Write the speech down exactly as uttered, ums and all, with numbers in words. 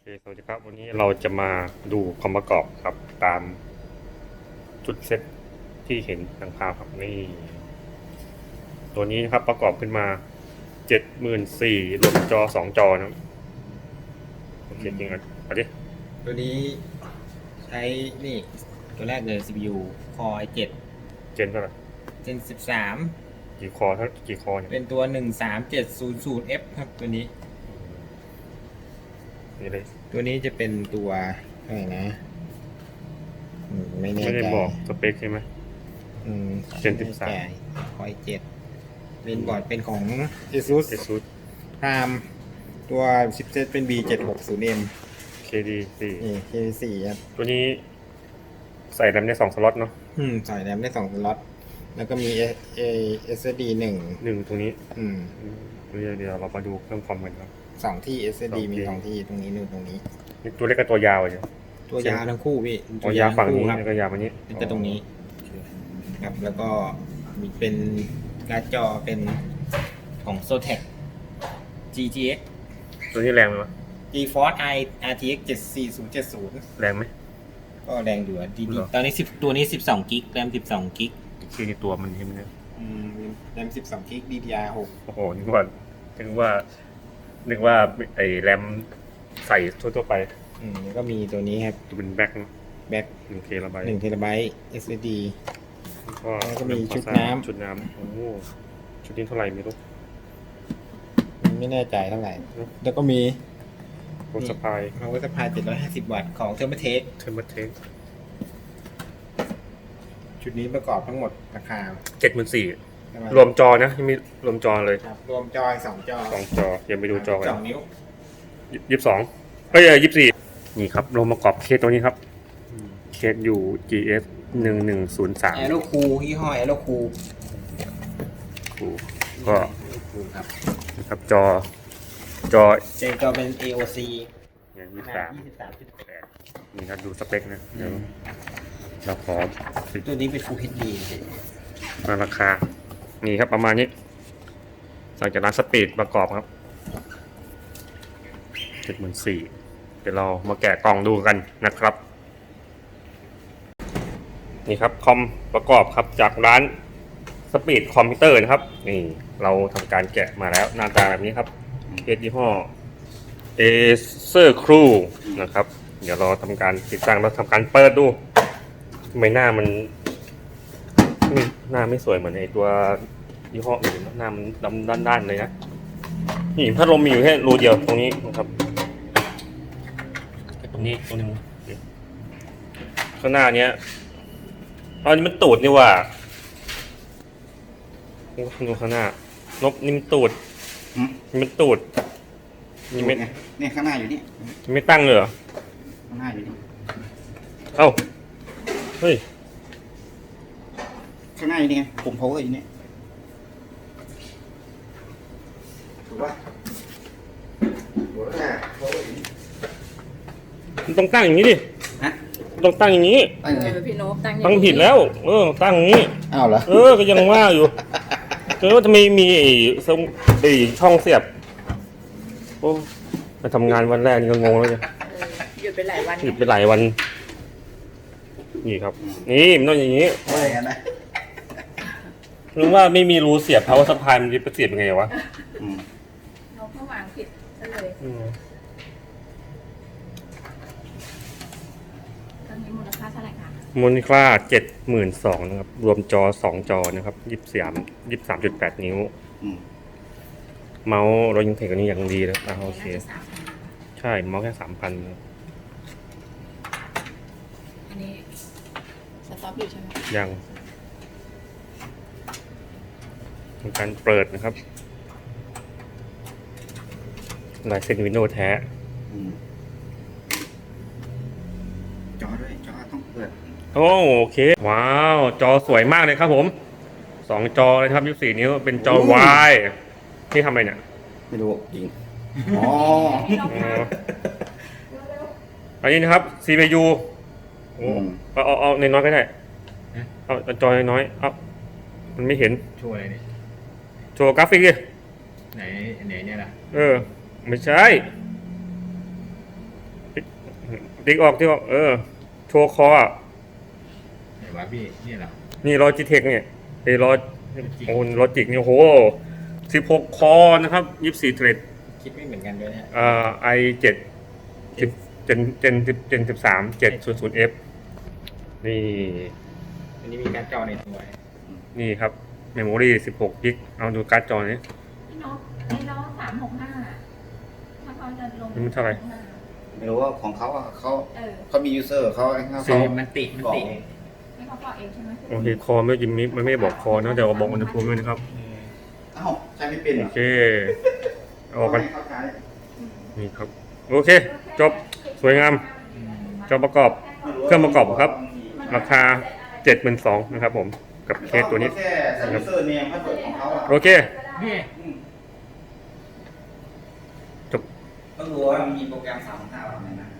เคสวัสดีครับวันนี้เราจะมาดูความประกอบครับตามจุดเซตที่เห็นทางภาพครับนี่ตัวนี้นะครับประกอบขึ้นมาเจ็ดหมื่นสี่รวมจอสองจอนะโอเคจริงอ่ะเอาดิตัวนี้ใช้นี่ตัวแรกเลย ซี พี ยู Core ไอ เจ็ดเจนเท่าไหร่ Gen สิบสามกี่คอเท่ากี่คอเนี่ยเป็นตัวหนึ่งสามเจ็ดศูนย์ศูนย์ เอฟ ครับตัวนี้นี่เลยตัวนี้จะเป็นตัวอะไรนะอืมไม่แน่ใจไม่ได้บอกสเปคใช่ไหมอืม Gen สิบสาม Core ไอ เจ็ดเป็นบอร์ดเป็นของ ASUS เอซูด ARM ตัวชิปเซตเป็น บี เจ็ดหกศูนย์เอ็มเคดีสี่นี่ เค สี่ ครับตัวนี้ใส่แรมได้สองสล็อตเนาะอืมใส่แรมได้สองสล็อตแล้วก็มี เอ เอส ดี หนึ่งหนึ่งตรงนี้อืมเดี๋ยวเดี๋ยวเรามาดูเครื่องคอมกันครับสองที่ เอส ดีสองที่มีสองที่ตรงนี้นู่นตรงนี้นี่ตัวเล็กกับตัวยาวเลยตัวยาวทั้งคู่พี่ตัวยาวฝั่งนี้ครับแล้วก็ยาวฝั่งนี้เป็นแต่ตรงนี้ครับแล้วก็มีเป็นการ์ดจอเป็นของ Zotac จี ที เอ็กซ์ตัวนี้แรงไหมวะ GeForce i อาร์ ที เอ็กซ์ เจ็ดสี่ศูนย์เจ็ดศูนย์แรงไหมก็แรงอยู่อะดีเหรอๆตอนนี้สิบตัวนี้สิบสองกิกแรมสิบสองกิกชื่อในตัวมันใช่ไหมเนี่ยอืมแรมสิบสองกิก ดี ดี อาร์ หกโอ้โหนึกว่านึกว่านึกว่าไอ้แรมใส่ทั่วๆไปอืมแล้วก็มีตัวนี้ครับจะเป็นแบ็คเนอะแบ็คหนึ่งเคระบายหนึ่งเทราไบต์ เอส ดี แล้วก็มีชุดน้ำชุดน้ำโอ้โหชุดนี้เท่าไหร่ไม่รู้ไม่แน่ใจเท่าไหร่ แล้วก็มีโคสปาย power supply เจ็ดร้อยห้าสิบวัตต์ของ Thermaltake เทอร์มาเทคชุดนี้ประกอบทั้งหมดราคาเจ็ดหมื่นสี่ประมาณรวมจอนะยังมีรวมจอเลยครับรวมจอยสองจอสองจอยังไปดูจอกันสองนิ้วยี่สิบสองเอ้ยยี่สิบสี่นี่ครับรวมประกอบเคสตัวนี้ครับเคสอยู่ จี เอส หนึ่งหนึ่งศูนย์สามแอโรคูยี่ห้อแอโรคูก็ครับนะครับจอจอเจนจอเป็น เอ โอ ซีอย่างขยี่สิบนาสาดมยี่สิบสามจุดแปดนี่นะดูสเปคนะเดี๋ยวเราขอปิดตัวนี้เป็น Full เอช ดีมาราคา นี่ครับประมาณนี้สั่งจากร้านสปีดประกอบครับเจ็ดหมื่นสี่เดี๋ยวเรามาแกะกล่องดูกันนะครับ นี่ครับคอมประกอบครับจากร้านสปีดคอมพิวเตอร์นะครับนี่เราทำการแกะมาแล้วหน้าตาแบบนี้ครับเคสยี่ห้อ Acer Crew นะครับ เดี๋ยวเราทำการติดตั้งแล้วทำการเปิดดูทำไมหน้ามันไม่หน้าไม่สวยเหมือนไอตัวยี่ห้ออื่นหน้ามันดำด้านๆเลยนะนี่พัดลมมีอยู่แค่รูเดียวตรงนี้นะครับตรงนี้ตรงนึงข้างหน้าเนี้ยอันนี้มันตูดนี่ว่าดูข้างหน้านกนี่มันตูดนี่มันตูดนี่ไม่เนี่ยข้างหน้าอยู่นี่ไม่ตั้งเลยเหรอข้างหน้าอยู่นี่เอ้าเฮ้ยข้างหน้าอยู่นี่ไงปุ่ม power อยู่นี่ถูกป่ะถูกแล้ว power อยู่นี่มันต้องตั้งอย่างนี้ดิฮะต้องตั้งอย่างนี้ตั้งไงเออพี่โนบตั้งอย่างตั้งนี้ผิดแล้ว เออ ตั้งอย่างนี้อ้าวเหรอเออ ก็ยังว่าอยู่เออว่าทำไมมีไอ้ทรงไอ้ช่องเสียบ โอ้มาทำงานวันแรกนี่ก็งงแล้วเนี่ยเออหยุดไปหลายวันหยุดไปหลายวัน นี่ครับ นี่มันต้องอย่างนี้อะไรกันนะรู้ว่าไม่มีรูเสียบ power supply มันจะไปเสียบยังไงวะเราก็วางผิดซะเลยอืมตอนนี้มูลค่าเท่าไหร่คะมูลค่าเจ็ดหมื่นสองนะครับ รวมจอสองจอนะครับยี่สิบสามยี่สิบสามจุดแปดนิ้ว เมาส์เรายังเทคอันนี้อย่างดีนะอ่าโอเคน่าจะสามพันใช่เมาส์แค่สามพันอันนี้สต็อปอยู่ใช่ไหมยังทำการเปิดนะครับลายเซ็นวินโดว์แท้จอด้วยจอต้องเปิดโอ้โอเค ว้าว จอสวยมากเลยครับผมสองจอเลยครับยี่สิบสี่นิ้วเป็นจอ Y ที่ทำอะไรเนี่ยไม่รู้จริงอ๋ออ๋ออันนี้นะครับ ซี พี ยู โอ้เอาเอาเอาในน้อยก็ได้เอาเอาจอน้อยๆเอามันไม่เห็นโชว์อะไรนี่โชว์กราฟิกดิไหนไหนเนี่ยล่ะเออ ไม่ใช่ติ๊กออกที่ออกเออ โชว์คออ่ะไหนวะพี่นี่เหรอนี่ลอจิเทคเนี่ยไอ้ลอโอ้ลอจิกเนี่ยโหสิบหกคอนะครับยี่สิบสี่เทรดคิดไม่เหมือนกันด้วยเนี่ยอ่าไอเจ็ดสิบเจนเจนสิบเจนสิบสามเจ็ดศูนย์ศูนย์เอฟนี่อันนี้มีการ์ดจอในตัวนี่ครับเมมโมรี่สิบหกกิกเอาดูการ์ดจอนี้พี่นกไอ้ล้อสามหกห้าถ้าเขาจะลงมันเท่าไหร่ไม่รู้ว่าของเขาอะเขาเออเขามียูเซอร์เขาไอ้เขาซีเขามันติมันบอกตินี่เขาบอกเองใช่ไหมโอเคคอไม่จิมมิมันไม่ได้บอกคอนะแต่ว่าบอกอุณหภูมิด้วยนะครับเอ้าใช้ไม่เป็นเหรโออเคออกกันเขาใช้นี่ครับโอเค จบสวยงามจอประกอบเครื่องประกอบครับ ราคาเจ็ดหมื่นสองนะครับผมกับเคสตัวนี้แค่ใส่ยูเซอร์เนมพาสเวิร์ดของเขาอะโอเคนี่จบต้องรู้ว่ามีโปรแกรมสามห้าอะไรนะ